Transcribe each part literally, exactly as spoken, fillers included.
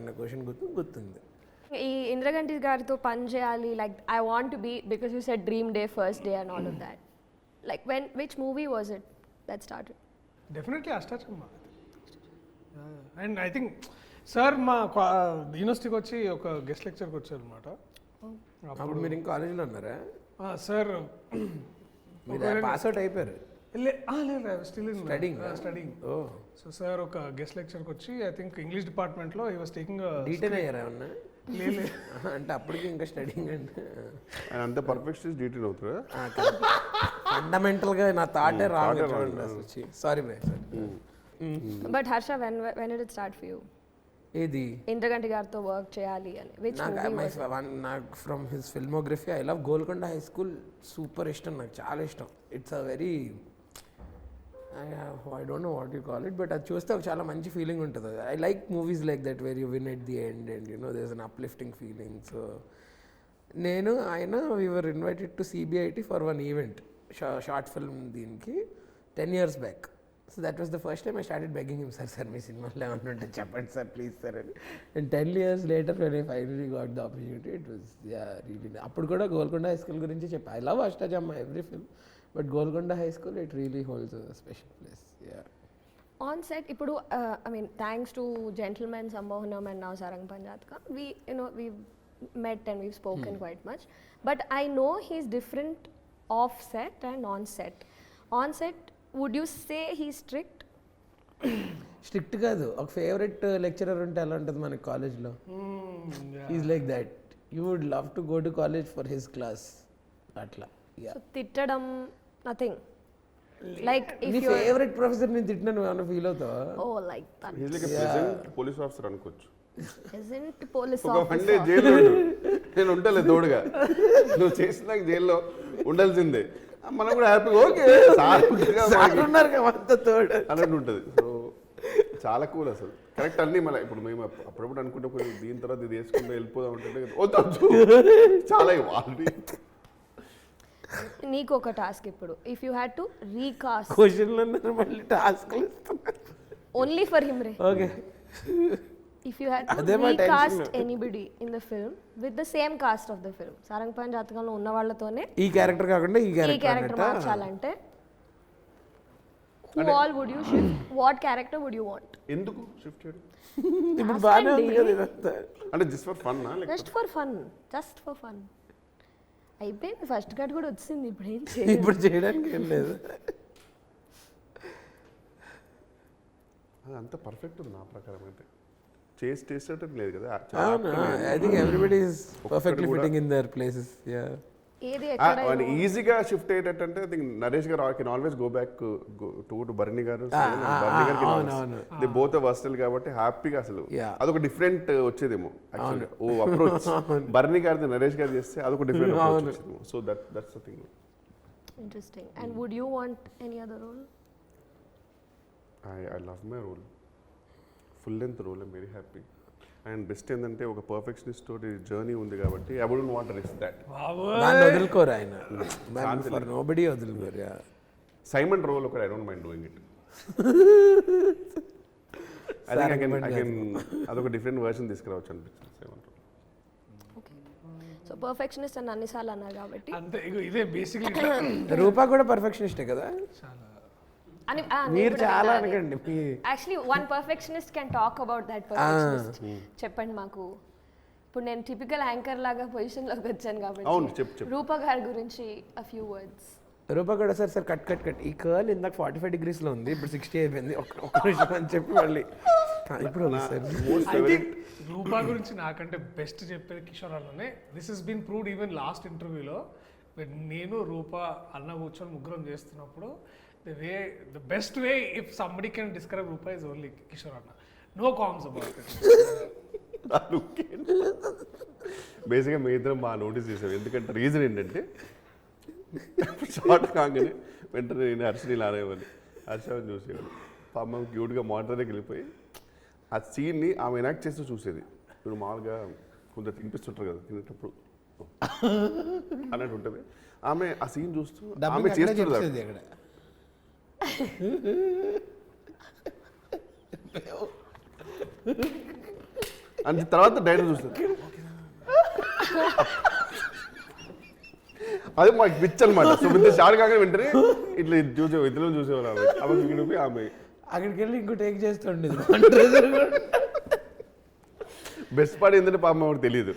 అన్న క్వశ్చన్ గుర్తు గుర్తుంది. ఈ ఇంద్రగంటి గారితో పని చేయాలి, like I want to be because you said dream day first day and all of that, like when which movie was it that started? Definitely Ashtachamma. And I think sir మా యూనివర్సిటీకి వచ్చి ఒక గెస్ట్ లెక్చర్కి వచ్చారు అనమాట. అప్పుడు మీరు ఇంకా కాలేజీలో ఉన్నారా? సార్ మీరు పాస్ అవుట్ అయిపోయారు? లేదు, still in studying studying. Oh so sir ఒక గెస్ట్ లెక్చర్కి వచ్చి ఐ థింక్ ఇంగ్లీష్ డిపార్ట్మెంట్లో ఈ వాస్ టేకింగ్ డీటెయిల్ అయ్యారా ఏమన్నా? లేదు అంటే అప్పటికి ఇంకా స్టడింగ్ అంటే అంత పర్ఫెక్ట్ డీటెయిల్ అవుతారా? ఫండమెంటల్గా నా థాటే రాంగ్. సారీ బ్రై. But Harsha, when when did it start for you? ఏది ఇంద్రగంటి గారితో వర్క్ చేయాలి అని విచ్ నాకు నాకు from his filmography I love Golconda high school. Super ఇష్టం, నాకు చాలా ఇష్టం. It's a very I don't know what you call it, but అది చూస్తే ఒక చాలా మంచి ఫీలింగ్ ఉంటుంది. I like movies like that where you win at the end and you know there is an uplifting feeling. So నేను ఆయన we were invited to CBIT for one event, short film దీనికి ten years back. So that was the first time I started begging him, sir sir మీ సినిమాలో ఏమన్నా ఉంటే చెప్పండి sir please sir అని. And ten years later when I finally got the opportunity it was yeah really. అప్పుడు కూడా Golconda high school గురించి చెప్పా. I love Ashtachamma every film, but Golconda high school it really holds a special place. Yeah on set ఇప్పుడు I mean thanks to gentleman Sammohanam and now సారంగ్ పంజాత్కా we you know we met and we've spoken hmm. quite much, but I know he's different off set and on set. On set, would you say he's strict? Strict కాదు, ఒక favourite lecturer ఉంటే ఎలా ఉంటుంది మనకి కాలేజ్లో. Is like that. You would love to go to college for his class అట్లా. So తిట్టడం nothing, like నీ ఫేవరెట్ ప్రొఫెసర్ నేను తిట్టినా నువ్వు ఏమైనా ఫీల్ అవుతావా? Oh like that. He is like a present police officer అనుకోవచ్చు. ప్రెజెంట్ పోలీస్ ఒక వన్ డే జైల్లో నేను ఉంటలే తోడుగా, నువ్వు చేసిన జైల్లో ఉండాల్సిందే, మనం కూడా హ్యాపీగా ఓకే సార్ ఉన్నారు కదా తోడు అన్నట్టు ఉంటుంది. సో చాలా కూల్ అసలు. కరెక్ట్ అన్నీ మళ్ళీ ఇప్పుడు మేము అప్పుడప్పుడు అనుకుంటే కొంచెం దీని తర్వాత ఇది వేసుకుంటే వెళ్ళిపోదాం ఉంటుంటే వద్దు చాలా ఆల్రెడీ. నీకు ఒక టాస్క్ ఇప్పుడు, if you had to recast క్వశ్చన్లు అన్నారు మళ్ళీ టాస్క్లు ఓన్లీ ఫర్ హిమ్ రే. Okay, if you had to recast anybody in the film with the same cast of the film, సారంగ్ పంజాత్కంలో ఉన్న వాళ్ళతోనే ఈ క్యారెక్టర్ కాకుండా ఈ ఈ క్యారెక్టర్ మార్చాలంటే who all would you shift? What character would you want? ఎందుకు షిఫ్ట్ చేయడం? ఇప్పుడు బాగానే ఉంది కదా ఇదంతా. అంటే just for fun? Just for fun, just for fun. అయిపోయింది, ఫస్ట్ కట్ కూడా వచ్చింది, ఇప్పుడు ఏం చేయాలి? ఇప్పుడు చేయడానికి ఏం లేదు. అది అంత పర్ఫెక్ట్ ఉంది నా ప్రకారం అయితే. చేసి చేసేటట్టు లేదు కదా. I think everybody is perfectly fitting in their places. Yeah ఏది ఎక్కడ ఈజీగా షిఫ్ట్ అయ్యేటట్టు అంటే I think Naresh garu can always go back to to Barney garu. Barney గారికి దే బోత్ వర్స్టైల్ కాబట్టి హ్యాపీగా అసలు అదొక డిఫరెంట్ వచ్చేదేమో యాక్చువల్గా. ఓ అప్రోచ్ బర్నీ గారిది నరేష్ గారు చేస్తే అదొక డిఫరెంట్ అప్రోచ్ వచ్చేదేమో. So that that's the thing. Interesting. And would you want any other role? I I love my role, full length role. I'm very happy. And best ఏంటంటే ఒక పర్ఫెక్షనిస్ట్ తోటి journey ఉంది కాబట్టి I wouldn't want to risk that. దాన్ని వదులుకోరు ఆయన, for nobody వదులుకోరు. Yeah Simon role ఒకటి I don't mind doing it. I think I can I can అదొక డిఫరెంట్ వర్షన్ తీసుకురావచ్చు అనిపించింది Simon role. Okay, so perfectionist అని అన్నిసార్లు అన్నారు కాబట్టి అంతే. ఇదే బేసిక్లీ రూపా కూడా పర్ఫెక్షనిస్టే కదా. చాలా అని మీరు చాలా అనకండి. Actually one perfectionist can talk about that perfectionist. చెప్పండి మాకు. ఇప్పుడు నేను టిపికల్ యాంకర్ లాగా పొజిషన్లోకి వచ్చాను కాబట్టి రూపా గారి గురించి అ ఫ్యూ వర్డ్స్. రూపా కూడా sir sir cut cut cut ఈ కర్ల్ ఇందాక ఫార్టీ ఫైవ్ డిగ్రీస్లో ఉంది, ఇప్పుడు సిక్స్టీ అయిపోయింది, ఒక్క నిమిషం అని చెప్పి మళ్ళీ ఇప్పుడు రూపా గురించి నాకంటే బెస్ట్ చెప్పేది కిషోర్ అన్ననే. This is been proved even last ఇంటర్వ్యూలో. నేను రూపా అన్న కూర్చొని ముగ్గురం చేస్తున్నప్పుడు the way the best way if somebody can describe Rupa is only Kishore Anna. No qualms about it. బేసిక్గా మీ ఇద్దరం బాగా నోటీస్ చేసాం. ఎందుకంటే రీజన్ ఏంటంటే షార్ట్ కాగానే వెంటనే నేను హర్షని లానేవాడిని, హర్షని చూసేవాడు. పాపం క్యూట్గా మానిటర్ దగ్గరికి వెళ్ళిపోయి ఆ సీన్ని ఆమె ఎనాక్ట్ చేస్తూ చూసేది. ఇప్పుడు మామూలుగా కొంచెం తినిపిస్తుంటారు కదా తినేటప్పుడు అన్నట్టు ఉంటుంది. ఆమె ఆ సీన్ చూస్తూ ఆమె చేస్తుంది. అని తర్వాత డైరెక్టర్ చూస్తారు అది మాకు పిచ్ అనమాట. సో ఇంత షార్ట్ కాగానే వెంటనే ఇట్లా ఇది చూసే ఇద్దరు చూసేవాళ్ళు ఆమె ఆమె చూపి ఆమె అక్కడికి వెళ్ళి ఇంకో టేక్ చేస్తుండేది. బెస్ట్ పార్ట్ ఏంటంటే పాపం ఆమెకు తెలియదు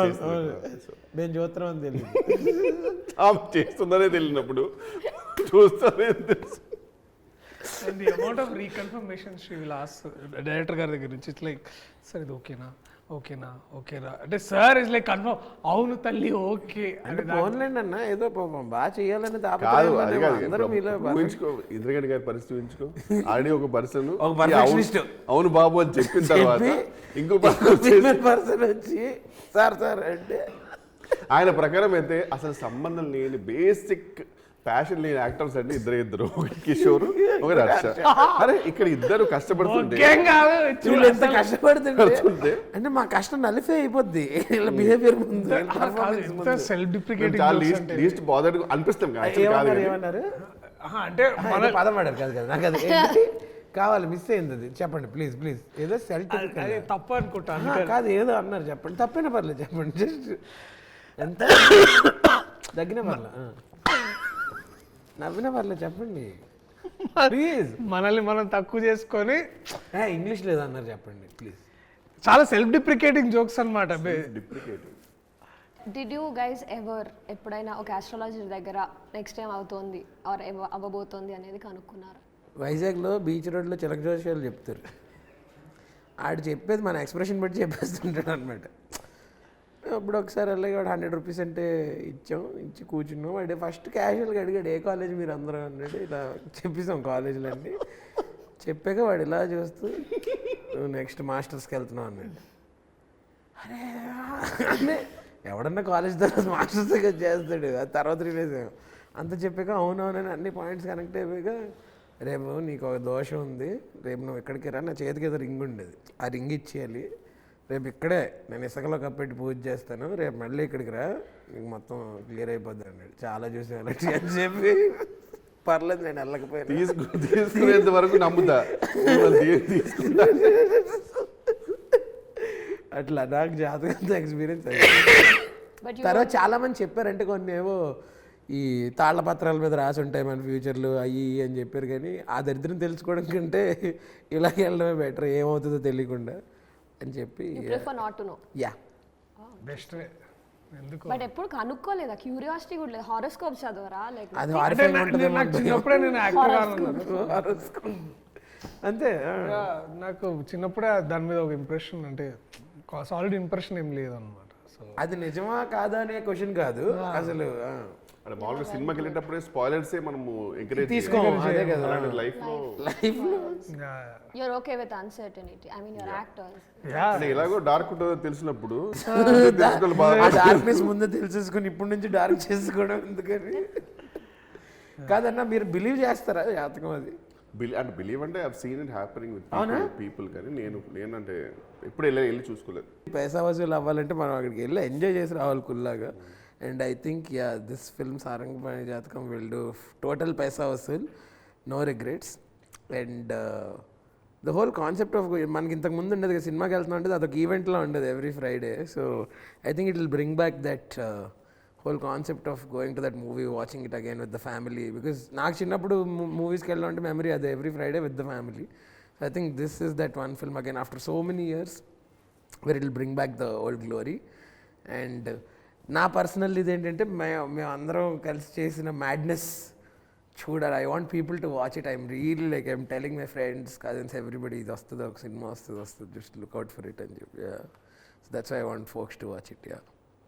నేను చూస్తున్నాం అని తెలియదు. ఆమె చేస్తుందనే తెలియనప్పుడు చూస్తానే తెలుసు. And the amount of reconfirmation she will ask director గారి దగ్గర నుంచి ఇట్స్ లైక్ సార్ ఇది ఓకేనా ఓకేనా ఓకేనా అంటే సార్ ఇస్ లైక్ కన్ఫర్మ్ అవును తల్లి ఓకే అంటే ఫోన్లేండి అన్న ఏదో పాపం బాగా చేయాలని కాదు తాపత్రయం అది ఉందేమో. కాదు అందరూ మీలో ఊహించుకో ఇంద్రగడ్డి గారి పరిస్థితి ఊహించుకో. ఆల్రెడీ ఒక పర్సన్ ఒక perfectionist. అవును బాబు అని చెప్పిన తర్వాత ఇంకో ఫీమేల్ పర్సన్ వచ్చి సార్ సార్ అంటే ఆయన ప్రకారం అయితే అసలు సంబంధం లేని బేసిక్ ప్యాషన్ లేని యాక్టర్స్ అంటే ఇద్దరు ఇద్దరు ఒకటి కిషోర్ ఒకటి హర్ష. అరే ఇక్కడ ఇద్దరు కష్టపడుతుంటే ఓకేం కాదు వీళ్ళు ఎంత కష్టపడుతుంటే కష్టపడుతుంటే అంటే మా కష్టం నలిఫే అయిపోద్ది వీళ్ళ బిహేవియర్ ముందు వీళ్ళ performance ముందు. సెల్ఫ్ మేము డిప్రికేటింగ్ చాలా లీస్ట్ లీస్ట్ బాధ అనిపిస్తాం కదా, actually కాదు ఏమన్నారు కానీ. ఏమన్నారు అంటే మన పదం ఆడారు కాదు కదా నాకు అది ఏంటి? కావాలి మిస్ అయింది అది చెప్పండి ప్లీజ్ ప్లీజ్ ఏదో సెల్ఫ్ అది తప్పు అనుకుంటా కాదు ఏదో అన్నారు చెప్పండి తప్పైనా పర్లేదు చెప్పండి జస్ట్ ఎంత దగ్గర పర్లే ఆ. నవ్విన పర్లేదు చెప్పండి ప్లీజ్. మనల్ని మనం తక్కువ చేసుకొని ఇంగ్లీష్ లేదు అన్నారు చెప్పండి ప్లీజ్. చాలా సెల్ఫ్ డిప్రికేటింగ్ జోక్స్ అనమాట. Deprecating. Did you guys ever ఎప్పుడైనా ఒక ఆస్ట్రాలజర్ దగ్గర నెక్స్ట్ టైం అవుతోంది ఆర్ అవ్వబోతోంది అనేది కనుక్కున్నారు? వైజాగ్లో బీచ్ రోడ్లో చిలక జోషాలు చెప్తారు. ఆడు చెప్పేది మన ఎక్స్ప్రెషన్ బట్టి చెప్పేస్తుంటాడు అనమాట. అప్పుడు ఒకసారి అలాగే వాడు హండ్రెడ్ రూపీస్ అంటే ఇచ్చాం, ఇచ్చి కూర్చున్నాం. వాడు ఫస్ట్ క్యాజువల్గా అడిగాడు ఏ కాలేజ్ మీరు అందరూ అన్నాడు. ఇలా చెప్పేసాం కాలేజీలు అన్నీ చెప్పాక వాడు ఇలా చూస్తూ నువ్వు నెక్స్ట్ మాస్టర్స్కి వెళ్తున్నావు అన్నాడు. అరే అంటే ఎవడన్నా కాలేజ్ తర్వాత మాస్టర్స్ చేస్తాడు, అది తర్వాత రిలీజ్ అంత చెప్పాక అవునవునని అన్ని పాయింట్స్ కనెక్ట్ అయిపోయాక రేపు నీకు ఒక దోషం ఉంది, రేపు నువ్వు ఇక్కడికి రా, నా చేతికి ఏదో రింగ్ ఉండేది ఆ రింగ్ ఇచ్చేయాలి, రేపు ఇక్కడే నేను ఇసుకలో కప్పెట్టి పూజ చేస్తాను, రేపు మళ్ళీ ఇక్కడికి రా నీకు మొత్తం క్లియర్ అయిపోద్ది అన్నాడు. చాలా చూసి అలాంటి అని చెప్పి పర్లేదు నేను వెళ్ళకపోయాను. తీసుకు తీసుకునేంత వరకు నమ్ముతా తీసుకుంటా. అట్లా నాకు జాతకంతో ఎక్స్పీరియన్స్ అయ్యింది. తర్వాత చాలా మంది చెప్పారంటే కొన్ని ఏవో ఈ తాళ్ల పత్రాల మీద రాసి ఉంటాయి మన ఫ్యూచర్లు అయ్యి అని చెప్పారు. కానీ ఆ దరిద్రం తెలుసుకోవడం కంటే ఇలాగే వెళ్ళడమే బెటర్, ఏమవుతుందో తెలియకుండా అని చెప్పి not to know. Yeah best ఎందుకు బట్ ఎప్పుడు కనుక్కోలేదా? క్యూరియాసిటీ కూడా లేదు? హారోస్కోప్ చదవరా? లైక్ అది అంటే horrifying నా- ఉంటుందేమో నాకు చిన్నప్పుడే నేను యాక్టర్ కావాలన్నాను. horoscope. అంతే ఆ. నాకు చిన్నప్పుడే దాని మీద ఒక ఇంప్రెషన్ అంటే సాలిడ్ ఇంప్రెషన్ ఏం లేదన్నమాట. సో అది నిజమా కాదా అనే క్వశ్చన్ కాదు అసలు. ఆ. అంటే మామూలుగా సినిమాకి వెళ్ళేటప్పుడే స్పాయిలర్సే మనము ఎంకరేజ్ తీసుకోము అదే కదా లైఫ్ లో. లైఫ్ లో you're okay with uncertainty. I mean you're actors. అంటే ఎలాగో డార్క్ ఉంటుందో తెలిసినప్పుడు ఆ డార్క్నెస్ ముందే తెలిసేసుకుని ఇప్పటి నుంచి డార్క్ చేసుకోవడం ఎందుకని కాదన్నా. మీరు బిలీవ్ చేస్తారా జాతకం అది? బిలీవ్ అంటే బిలీవ్ అంటే I seen it happening with people, కానీ నేను నేనంటే ఎప్పుడు వెళ్ళి వెళ్ళి చూసుకోలేదు. పైసా వసూలు అవ్వాలంటే మనం అక్కడికి వెళ్ళి ఎంజాయ్ చేసి రావాలి కుల్లాగా. And I think yeah this film Sarangapani Jathakam will do total paisa vasool, no regrets. And the whole concept of మనకి ఇంతకు ముందు ఉండేది కదా సినిమాకి వెళ్తున్నాం అంటే అదొక ఈవెంట్లో ఉండేది every Friday. So I think it will bring back that whole concept of going to that movie, watching it again with the family. Because నాకు చిన్నప్పుడు మూవీస్కి వెళ్ళడం అంటే మెమరీ అదే, every Friday with the family. So I think this is that one film again after so many years where it will bring back the old glory. And నా personal ఇది ఏంటంటే మే మేము అందరం కలిసి చేసిన మ్యాడ్నెస్ చూడాలి. I want people to watch it. I'm really like I'm telling my friends cousins everybody ఇది వస్తుంది, ఒక సినిమా వస్తుంది వస్తుంది, జస్ట్ లుక్అవుట్ ఫర్ ఇట్ అని చెప్పి. So that's I want folks to watch it. Yeah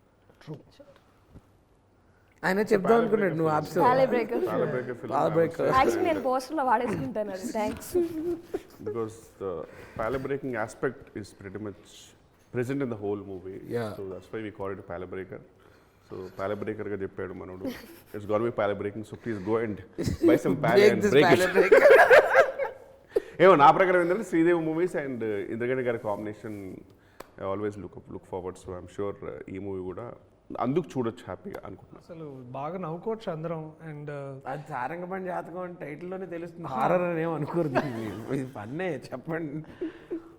ఆయన చెప్దాం అనుకున్నాడు నువ్వు ఆప్షన్ Palebreaker. Palebreaker. యాక్చువల్లీ నేను పోస్టర్లో వాడేసుకుంటాను అది. Thanks. Because the palebreaking aspect is pretty much present in the whole movie. Yeah. So that's why we call it a palebreaker. So palebreaker ga cheppedu manodu. It's got to be palebreaking. So please go and buy some pale break and this break it. Palebreaker. ఏమో నా ప్రకారం ఏంటంటే Sridevi movies and Indraganti గారి combination I always look look forward. So I'm sure ఈ movie కూడా అందుకు చూడొచ్చు హ్యాపీగా అనుకుంటున్నాను. అసలు బాగా నవ్వుకోవచ్చు అందరం. అండ్ అది సారంగపాణి జాతకం అని టైటిల్లోనే తెలుస్తుంది. హారర్ అని ఏం అనుకోరు, ఇది పన్నే చెప్పండి.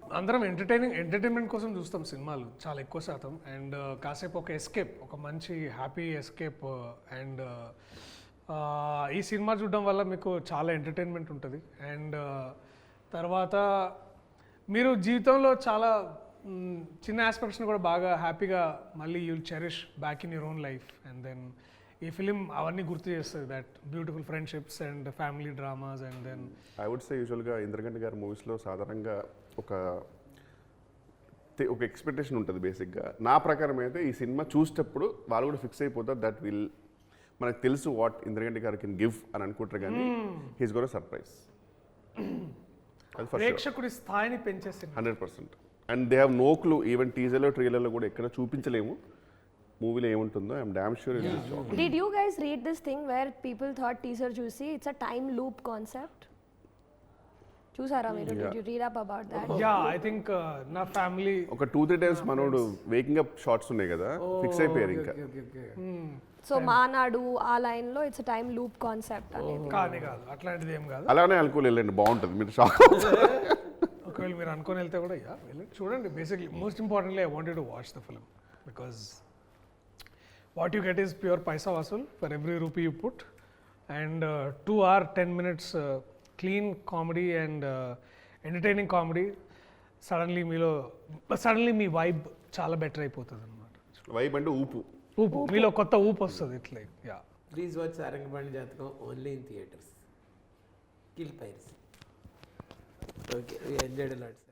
అందరం ఎంటర్టైనింగ్ ఎంటర్టైన్మెంట్ కోసం చూస్తాం సినిమాలు చాలా ఎక్కువ శాతం అండ్ కాసేపు ఒక ఎస్కేప్ ఒక మంచి హ్యాపీ ఎస్కేప్ అండ్ ఈ సినిమా చూడడం వల్ల మీకు చాలా ఎంటర్టైన్మెంట్ ఉంటుంది అండ్ తర్వాత మీరు జీవితంలో చాలా మ్, చిన్న ఆస్పెక్ట్స్ని కూడా బాగా హ్యాపీగా మళ్ళీ you'll cherish back in your own life and then ఈ ఫిలిం అవన్నీ గుర్తు చేస్తుంది that beautiful friendships and family dramas and then I would say యూజువల్గా ఇంద్రగంటి గారి మూవీస్లో సాధారణంగా ఒక తె- ఒక ఎక్స్పెక్టేషన్ ఉంటుంది బేసిక్గా. నా ప్రకారం అయితే ఈ సినిమా చూసేటప్పుడు వాళ్ళు కూడా ఫిక్స్ అయిపోతారు దట్ విల్ మనకు తెలుసు వాట్ ఇంద్రగంటి గారు కెన్ గివ్ అని అనుకుంటారు కానీ హీస్ గోర్ సర్ప్రైజ్. అది ఫస్ట్ ప్రేక్షకుడి స్థాయిని పెంచే సినిమా hundred percent. And they have no clue even టీజర్లో ట్రైలర్లో కూడా ఎక్కడ చూపించలేము మూవీలో ఏముంటుందో. I'm damn sure it is job. Did you guys read this thing where people thought teaser juicy? It's a time loop concept. చూసారా మీరు? Did you read up about that? Yeah I think నా family ఒక two three times మనోడు waking up shorts ఉన్నాయి కదా, fix అయిపోయారు ఇంకా. So మానాడు ఆ లైన్ లో ఇట్స్ టైం లూప్ కాన్సెప్ట్ అనేది. కానీ కాదు అట్లాంటిది ఏం కాదు. అలానే అనుకోని వెళ్ళండి, బాగుంటుంది, మీరు షాక్. ఒకవేళ మీరు అనుకొని వెళ్తే కూడా యా వెళ్ళి చూడండి. Basically most importantly I wanted to watch the film because what you get is pure paisa vasool for every rupee you put and two or ten minutes clean comedy and entertaining comedy. Suddenly మీలో suddenly మీ vibe చాలా better అయిపోతుంది అనమాట. Vibe అంటే ఊపు. ఊపు మీలో కొత్త ఊపు వస్తుంది ఇట్లా. Yeah please watch Sarangapani Jathakam only in theatres. Kill piracy. Okay, we enjoyed a lot.